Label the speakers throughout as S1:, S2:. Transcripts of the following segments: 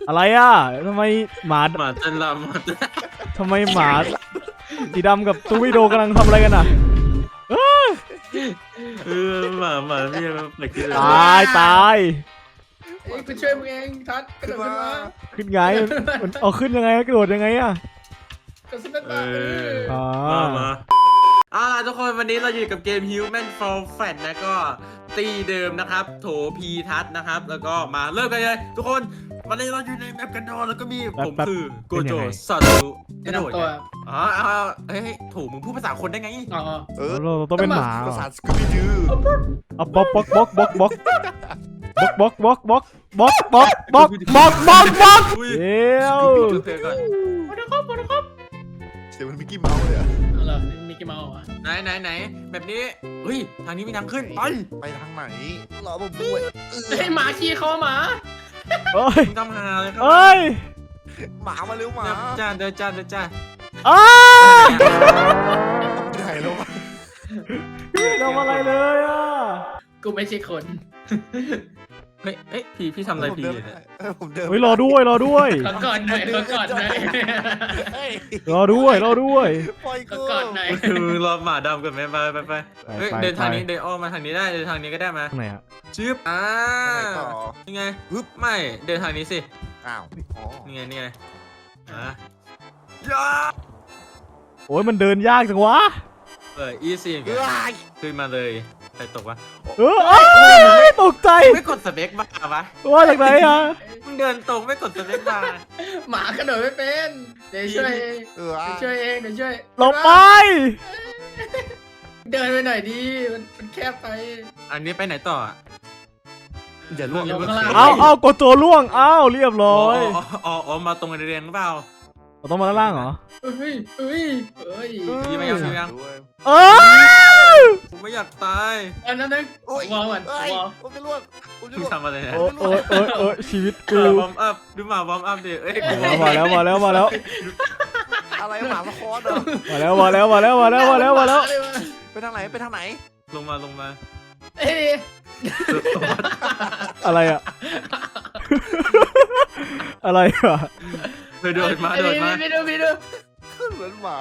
S1: อะไรอ่ะทำไมหมา
S2: เต้นรำ
S1: ทำไมหมาสีดำกับตูวิโดกำลังทำอะไรกันอ่ะ
S2: หมาพี่มันเปิดขึ้น
S1: ตายตาย
S3: เอ้ยกูช่วยมึงเองทัดกระโดดขึ้นมา
S1: ขึ้นไงมันเอาขึ้นยังไงกระโดดยังไงอ่ะ
S3: กระสุนนัดมา
S1: อ๋อ
S2: มาล่ะทุกคนวันนี้เราอยู่กับเกม Human Fall Flat นะก็ตีเดิมนะครับโถพีทัศนะครับแล้วก็มาเริ่มกันเลยทุกคนวันนี้เราอยู่ในแมปกันโดแล้วก็มีผมคือโกโจซาตุกระโดดเฮ้ยถูกมึงพูดภาษาคนได้ไง
S3: อ๋อ
S1: เราต้องเป็นหมา
S4: ภาษาสกูบี้ดื้อ
S1: เอาบล็อกบล็อกบล็อกบล็อกบล็อกบล็อกบล็อกบล็อกบล็อกบล็อกบล็อกบล็อกบล็อกบล็อกเดี๋ยว
S2: เพลงก่อน
S3: มาดูครับมาดูครับ
S4: เสียงมันมิกกี้เมาส์เลยอะ
S3: เอาล่ะมิกกี้เมาส์อ่ะ
S2: ไหนแบบนี้เฮ้ยทางนี้มีทางขึ้นไป
S4: ไปทางไหนรอผมด้วย
S3: เฮ้ยหมาขี้คอหมา
S1: เอ้ย
S2: มึงทำหาเลยครั
S1: เอ้ย
S4: หมามาเร็วหมา
S2: เดินจ้า
S1: อ้า
S4: เหนื่อยแล้ววะ
S1: ไม่ทำอะไรเลยอ่ะ
S3: กูไม่ใช่คน
S2: เฮ้ยพี่ทำอะไรพี่เนี่ย
S4: ผมเดิน
S1: เฮ้ยรอด้วยรอด้วย
S3: ขอก่อนหน่อยขอก่อนหน่อย
S1: รอด้วยรอด้วย
S4: ปล่อย
S3: ขอ
S4: กู
S3: ก่อนหน่อย
S2: คือรอหมาดำกันไปเฮ้ยเดินทางนี้เดินอ้อมมาทางนี้ได้เดินทางนี้ก็ได้มา
S1: ทางไหนอ่ะ
S2: ชืบ
S4: ต่อ
S2: นี่ไงไม่เดินทางนี้สิ
S4: อ้าวอ๋อ
S2: นี่ไง
S1: โอ้ยมันเดินยากจังวะ
S2: อีซี่ขึ้นมาเลยใครตกวะ
S1: ตกใจ
S2: ไม่กดสเปคบ้าวะ
S1: ว่าจากไหนอ่ะ
S2: มึงเดินตรงไม่กดสเปคบ้า
S3: หมากระโดดไม่เป็นเดี๋ยวช่วยเอง
S4: เออ
S3: เดี๋ยวช่วยเองเดี๋ยวช่วย
S1: หลบไป
S3: เดินไปหน่อยดิมันแคบไป
S2: อันนี้ไปไหนต่อ
S4: อย่าล่วง
S3: ลงข้างล่าง
S1: เอากดตัวล่วงเรียบร้อย
S2: อ๋อมาตรงเรียงหรือเปล่า
S1: เราต้องมาด้านล่างเหรอ
S3: เฮ้ย
S2: พี่ไม่อยาก
S1: เออ
S2: ผมไม่อยากตาย
S3: อันนั้นนึง
S4: โอ้ยว
S3: อลก่อน
S4: เอ้ยว
S3: อล
S4: ผมจะล่วงผมจะ
S2: มึง
S4: ล่วง
S2: ทำอะไรเนี่ย
S1: โอ้ยชีวิตกู
S2: วอร์มอัพดูหมาวอร์มอัพดิเอ้ยกู
S1: มาแล้ว
S4: อะไรหมาสะคอนเหรอ
S1: มาแล้ว
S4: ไปทางไหนไปทางไหน
S2: ลงมา
S3: เอ้ย
S1: อะไรอ่ะ อะไรอ่ะ
S2: โดดมา
S3: พี่ดู
S4: เหมือนหมา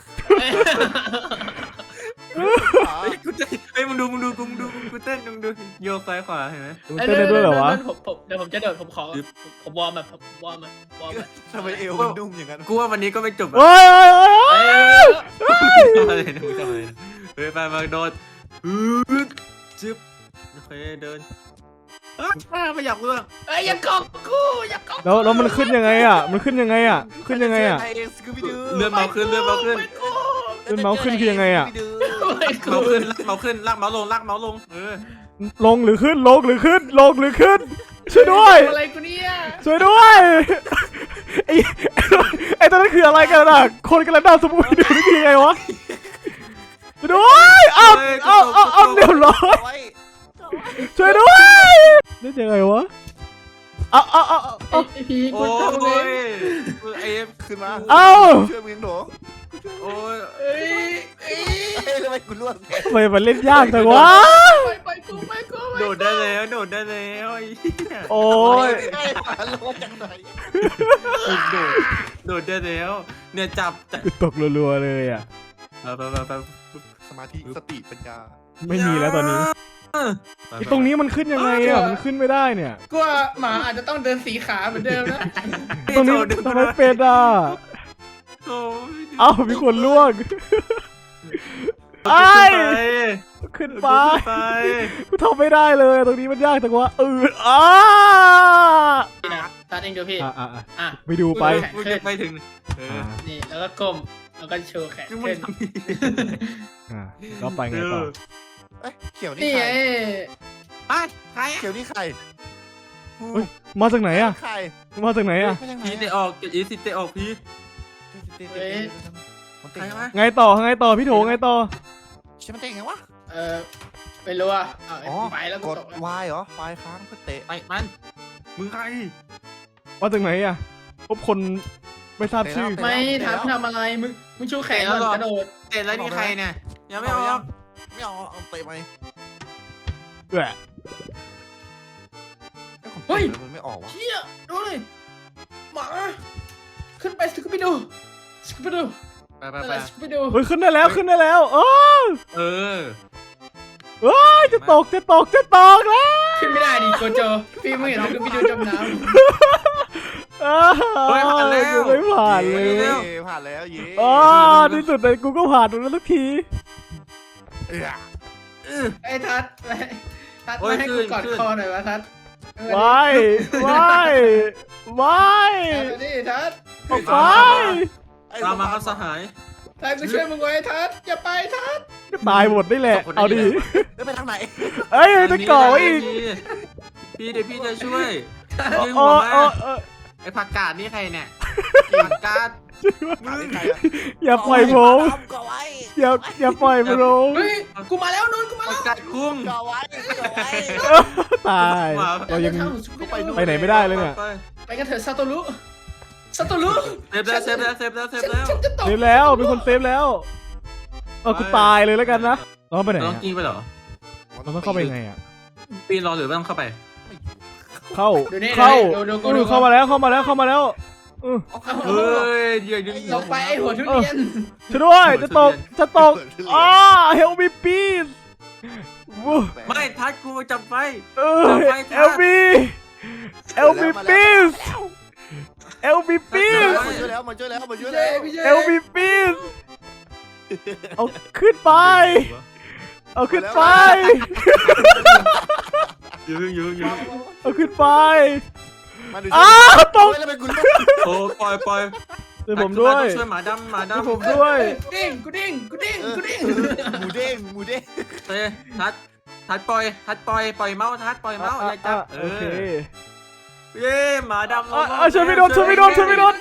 S2: กูเต้นเฮ้ยมึงดูกูเต้นมึงดูโยกซ้ายขวาเห็นไหม
S1: มันเต้นได้ด้วยเหรอวะ
S3: เดี๋ยวผมจะโดดผมขอผมวอร์มแบบวอร์ม
S4: ทำไมเอวมันนุ่มอย่างนั้น
S2: กูว่าวันนี้ก็ไม่จบ
S1: เฮ้ย
S2: ทำอะไรนะมึงทำอะไรนะเฮ้ยไปมาโดดจึ๊บโอเคเดินไม่อยากเรื่อง
S3: เอ้ยอย่าเกาะกูอย่าเกาะ
S1: แล้วมันขึ้นยังไงอ่ะขึ้นยังไงอ่ะ
S2: เลื่อนเมาขึ้น
S1: ขึ้นเมาส์ขึ้นคือยังไงอ่ะ
S2: เมาขึ้นลากเมาลง
S1: ลงหรือขึ้นช่วยด้วย
S3: อะไรกูเนี่ย
S1: ช่วยด้วยไอ้ตอนนั้นคืออะไรกันอ่ะคนกำลังดาวสมุนดูนี่คือยังไงวะช่วยด้วยเอาเรียบร้อยช่วยด้วยนี่ยังไงวะเอา
S3: ไอพีกู
S2: โอ้
S3: ทำไง
S2: ยเอฟ
S4: ขึ้นมาช่วยมึงหนู
S2: โอ้ย
S3: เอ้ย
S4: เฮ้ยทำไมกูล่วง
S1: ทำไมมันเล่นยากจังวะ
S3: ไปกู
S2: โดดได้แล้ว
S1: โอ้ย
S4: ล่วงจังไหน
S2: โดดได้แล้วเนี่ยจับ
S1: ตกรัวๆเลยอ่ะ
S2: ไป
S4: สมาธิสติปัญญา
S1: ไม่มีแล้วตอนนี้ตรงนี้มันขึ้นยังไงอ่ะมันขึ้นไม่ได้เนี่ย
S3: กูว่าหมาอาจจะต้องเดินสีขาเหมือนเดิมนะ
S1: ตรงนี้ทำไมเป็นอ่ะเอ้ามีคนล่วงขึ้นไปกูทำไม่ได้เลยตรงนี้มันยากจังวะ
S3: ตัดเองดูพี่อ่ะ
S1: ไปดูไป
S2: ไปถึง
S3: นี่แล้วก็ก้มแล้วก็โชว์แขนขึ้น
S1: ก็ไปไงต่อ
S4: เอ้ยเขียวนี่
S3: นี่
S4: ใคร
S2: ใคร
S4: เขียวนี่ใคร
S1: มาจากไหนอ่ะ
S4: ใคร
S1: มาจากไหนอ่ะ
S2: พีเตะออกอีเตะออกพี
S4: มันเตะไงวะ
S1: ไงต่อพี่โถไงต่อ
S4: ใช่มันเตะไงวะ
S3: ไม่รู้อ่ะ
S4: อ๋อ
S3: ไปแล้ว
S4: ก
S3: ก็
S4: ด
S3: ตก
S4: Y เหรอ Y ค้างเพื่อเตะ
S2: ไปมันมึงใคร
S1: มาจากไหนอ่ะพบคนไม่ทราบชื่อ
S3: ไม่ทำอะไรมึงชูแขนก่อนกระโดด
S2: เตะแล้วนี่ใครเนี่ยยังไม่ออก
S4: ไม่เอาเอาเตะไหม
S1: แหละ
S4: เฮ้ยมันไม่ออกวะ
S3: เชี่ยดูเลยขึ้นไปสกูบิดูสกูบิดู
S2: ไปไป
S3: นั่น
S2: ไป
S3: แหละสกูบิดู
S1: เฮ้ยขึ้นได้แล้วขึ้นได้แล้วโอ้
S2: เออ
S1: เอ้ยจะตกแล้ว
S3: ขึ้นไม่ได้ดิโกโจพี่ไม่เห็นสกูบิดูจมน้
S2: เฮ้ยผ่านแล้ว
S1: กูไม่ผ่านเลย
S2: เร็ว
S4: ผ่านแล้วเย้
S1: อ๋อที่สุดเลยกูก็ผ่านตรงนั้นสักที
S4: เอ้ย
S3: ำไอ้ทัดมาให้กูกอดคอหน่อยวะทัด
S1: ว้าย
S3: นี่ทัด
S1: ออกไป
S2: ตามมาครับสหาย
S3: ทัดกูช่วยมึงไว้ทัดอย่าไปทัด
S1: ก็ตายหมดนี่แหละเอาดิ
S4: ไปทางไหน
S1: เอ้ยจะก่อไว้อีก
S2: พี่เดี๋ยวพี่จะช่วย
S1: โอ้
S2: ยิง
S1: โอ้
S2: หัวมา
S1: โอ้
S2: ไอ้ผักกาดนี่ใครเนี่ยผักกาด
S1: อย่าปล่อยผม
S4: ก่อไว้
S1: อย่าปล่อยผมลง
S3: เฮ้ยกูมาแล้วนุ่นกูมา
S2: ผั
S3: แล้
S2: ก
S3: ว
S2: กาดคุ้ง
S4: ก่อไว้ก่อไว้
S1: ตายเรายัง ไปไหนไม่ได้เลยเนี่ย
S3: ไปกันเถอะซาโตรุ
S2: เซฟแล้วเซฟแล้วเซฟแล้วเซฟแล้ว
S3: ฉันจะตก
S1: เซฟแล้วเป็นคนเซฟแล้วกูตายเลยแล้วกันนะเราไปไหน
S2: ต้อง
S1: อะ
S2: กินไปเหรอ
S1: เราต้องเข้าไปยังไงอ่ะ
S2: ปีนรอหรือว่าต้องเข้าไป
S1: เข้า
S3: ดูนี่
S1: เข้า
S3: ดู
S1: เข้ามาแล้ว
S2: เฮ้ยเดี๋ยวดึง
S3: ลงไปไอ้หัวทุเรียน
S1: ช่วยด้วยจะตกอ้า help me please
S2: ไม่ทัดกูจับไฟ
S1: help me please help me please
S4: มาช่วยแล้วมาช่วยแล้ว
S1: help me please เอาขึ้นไปเอาขึ้นไป
S2: ยืง
S1: เอาขึ้นไป
S4: มาดู
S1: อ้าวตก
S4: แล้วเป็นกู
S2: โอ้ปล่อย
S1: ช่วยผมด้วย
S2: ช่วยหมาดำ
S1: ช่วยผมด้วย
S3: กูดิ้ง
S4: หมูเด้ง
S2: เต้ทัดปล่อยเมาส์ทัดปล่อยเมาส์อย่าจับ
S1: โอเค
S2: เย้หมาดำ
S1: ช่วยไม่โดนช่วยไม่โดน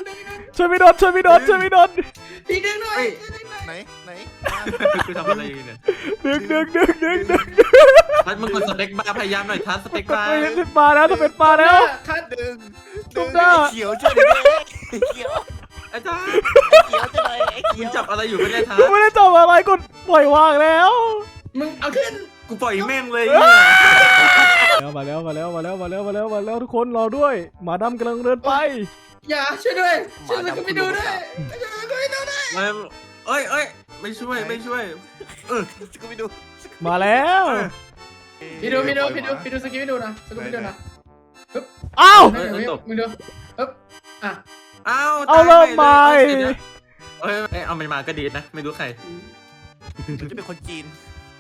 S3: พี่ดึงหน่อย
S4: ไหน
S2: คือทำอะไรเนี่ย
S1: ดึง
S2: ทัดมึงกดสเต็กบาร์พยายามหน่อยทัดสเต็ก
S1: กด
S2: บาร์
S1: ไปเห็นปลาแล้วจะเป็นปลาแล้ว
S3: ทัด
S4: ดึง
S1: ตุ๊กหน้า
S4: เขียวช่วยดิเขียว
S2: ไอ้ทัด
S4: เขียวจะไหนไอ้
S2: มึ
S4: เขี
S2: ง
S4: ยว
S2: จับอะไรอยู่ไม่ได้ทัด
S1: กูไม่ได้จับอะไรกดปล่อยวางแล้ว
S3: มึงเอาขึ้น
S2: กูปล่อยแม่งเลย
S1: มาแล้วทุกคนรอด้วยหมาดำกำลังเดินไป
S3: อย่าช่วยด้วยช่วยสกูบิดูด้วย
S2: เอ้ยไม่ช่วย
S4: กูไปดู
S1: มาแล้ว
S3: พี่ดูสกูบิดูนะสกูบิดูนะ
S1: อ้าว
S3: มึงดูฮึบอ่ะ
S1: เอาเริ่มใหม่
S2: เอามันมากระดีดนะไม่รู้ใคร
S4: จะเป็นคนจีน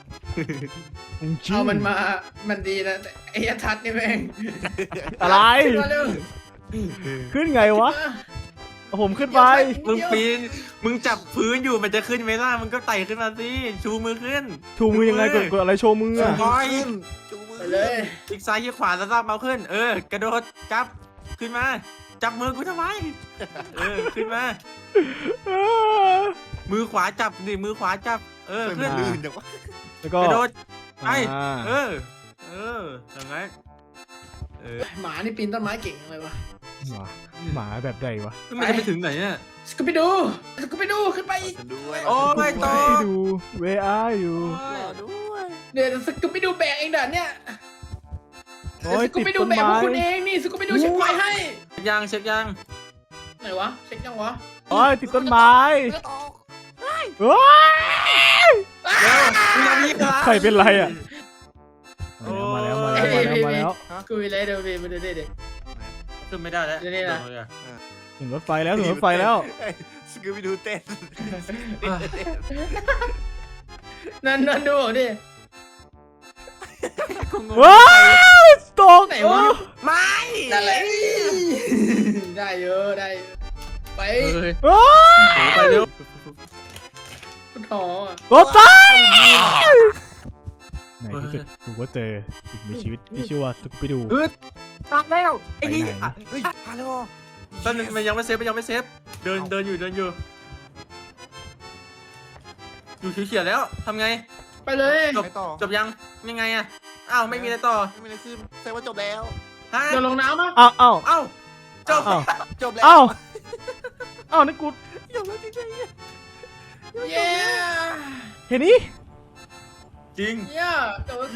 S3: เอามันมามันดีนะไอ้ทัดนี่แม่ง
S1: อะไร
S3: มาเร็ว
S1: ขึ้นไงวะเอาผมขึ้นไป
S2: มึงปีนมึงจับพื้นอยู่มันจะขึ้นไหมล่ะมึงก็ไต่ขึ้นมาสิชูมือขึ้น
S1: ชูมือยังไงกดอะไรโชว์มืออะ
S2: บอย
S4: จูมือ
S3: ไปเลย
S2: อีกซ้ายอีกขวาแล้วลากเมาขึ้นกระโดดจับขึ้นมาจับมือกูทำไมขึ้นมามือขวาจับดิมือขวาจับขึ้น
S4: ลื่นจังวะ
S1: แล้วก็
S2: กระโดดไป
S1: อ่า
S2: อย่างไง
S3: หมานี่ปีนต้นไม้เก่งเลยวะ
S1: หมาแบบใดวะ
S2: มันจะไปถึงไหนเนี่ย
S3: สกูบิดูขึ้นไป
S4: ฉันด้วย
S2: โอ้ไม่ต่อ
S1: ให้ดู where are you
S4: รอด้วย
S3: เดี๋ยวสกูบิดูแบกเองเด่านเนี่ย
S1: โอ้ย
S3: สกู
S1: ติด
S3: บิดู
S1: ต้น
S3: แบกพว
S1: ไม้
S3: กคุณเองนี่สกูบิดูเช็คไฟให้
S2: เช็คยัง
S3: ไหนวะเช็คยังวะ
S1: โอ้ยติดต้นไม้
S4: ก็ตก
S1: โอ้ย
S2: เร็วมึงทำนี้ครับ
S1: ใครเป็นไรอ่ะมาแล้ว
S3: กูมีอะไรเดี๋ยวมาดูดิ
S2: ขึ้นไม่ได้แล้ว
S1: ถึงรถไฟแล้ว
S4: สกูบิดูเต้น
S3: นั่นดูดิ
S1: ว้าวตก
S3: ไหนวะ
S2: ไม่
S3: นั่นแหละได้เยอะไป
S1: ว้า
S2: ไปเร็ว
S3: ท้อ
S1: รถไฟในที่สุดกูก็เจอสิ่งมีชีวิตที่ชื่อว่าสกูปิดู
S2: ตามแล้วไอ้นี่
S4: เฮ้ยฮัลโหล
S2: ตอนนึงมันยังไม่เซฟเดินอยู่อยู่เขียวแล้วทำไง
S3: ไปเลย
S4: ไปต่อ
S2: จบยังไงอ่ะอ้าวไม่มีอะไรต่อ
S4: ไม่มีอะไรขึ้นแสดงว่าจบแล้ว
S2: ฮะ
S3: เดี๋ยวลงน้ำมั้ย
S1: อ้าว
S2: จบ
S4: จบแล้ว
S1: อ้าวนี่กู
S4: จบแล้วจริง
S3: เย้
S1: เห็นนี่
S2: จริง
S3: เย้จบแล้วสิ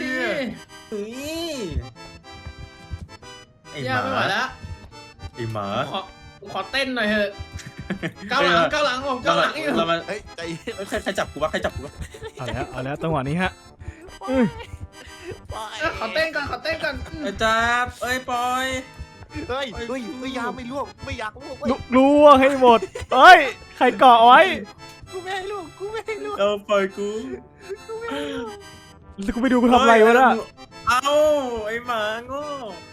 S2: ไอ้
S3: เย้
S2: ห
S3: ไม่ไหว
S2: มา
S3: แล้ว
S2: ไอ้หมา
S3: ขอเต้นหน่อยเถอะก้าวหลังผมก้าวหลังอยู่
S2: เรามา
S4: เฮ้ยใจเย็น
S2: ใครจับกูวะใครจับกูวะ
S1: เอาแล้วจังหวะนี้ฮะ
S4: ปล่อย
S3: ขอเต้นก่อน
S2: ไอ้จับเอ้ยปล่อย
S4: เฮ้ยไม่อยากไม่ล่วงไม่อยากล่วง
S1: รู้ว่าให้หมดเอ้ยใครเกาะไว้
S4: กูไม่ให้ล่วงกูไม่ให้ล่วง
S2: เอาปล่อยกู
S1: แล้วกูไปดูกูทำอะไรวะน่ะ
S2: เอาไอ้หมาโง่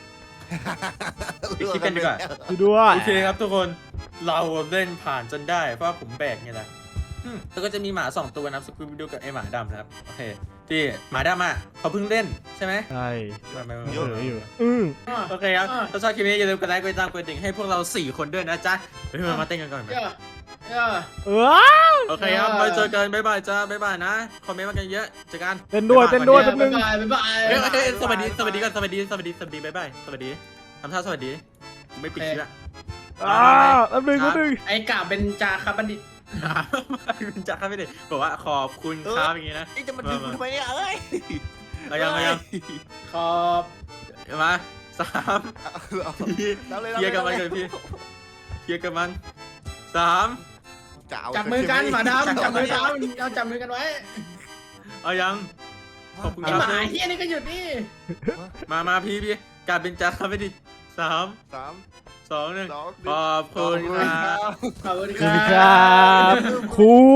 S2: ไปคิดกันดีกว่า
S1: ดูด้วย
S2: โอเคครับทุกคนเราเล่นผ่านจนได้เพราะว่าผมแบกไงล่ะแล้วก็จะมีหมา2ตัวนะครับสกูบิดูกับไอหมาดำนะครับโอเคที่หมาดำอ่ะเขาเพิ่งเล่นใช่ไหม
S1: ใช่
S2: ไม่
S1: เยอะอยู่
S2: โอเคครับถ้าชอบคลิปนี้อย่าลืมกดไลค์กดติดตามกดกระดิ่งให้พวกเรา4คนด้วยนะจ๊ะเฮ้ยมาเต้นกันก่อนไหม โอเคครับไปเจอกันบ๊ายบายจ้าบ๊ายบายนะคอมเมนต์มากันเยอะเจอกัน
S1: เต้นด้วยแป๊บนึง
S3: บ๊ายบาย
S2: เฮ้ยสวัสดีก่อนสวัสดีบ๊ายบายสวัสดีทำท่าสวัสดีไม่ปิดคลิปละ
S1: แป๊บนึง
S3: ไอ้กาเป็นจาคาบัณฑิต
S2: คุณจักรไม่ได้บอกว่าขอบคุณครับอย่างงี้นะ
S4: ไอ้จะมาดึงกูทำไมเนี่ยเอ้ย
S2: เอายัง
S3: ขอบ
S2: มา3เคลียร์กับมันก่อนพี่เคลียร์กับมัน3
S3: จับมือกันหมาดำจับมือกันเราจับมือกันไว้
S2: เอายังขอบคุณ
S3: ไอ้
S2: ครับ
S3: หมาเฮียนี่ก็หยุดนี่
S2: มาพี่การเป็นจักรไม่ได้3 2 1ขอบคุณครับ
S3: ขอบคุณ
S1: สวัสดีครับครู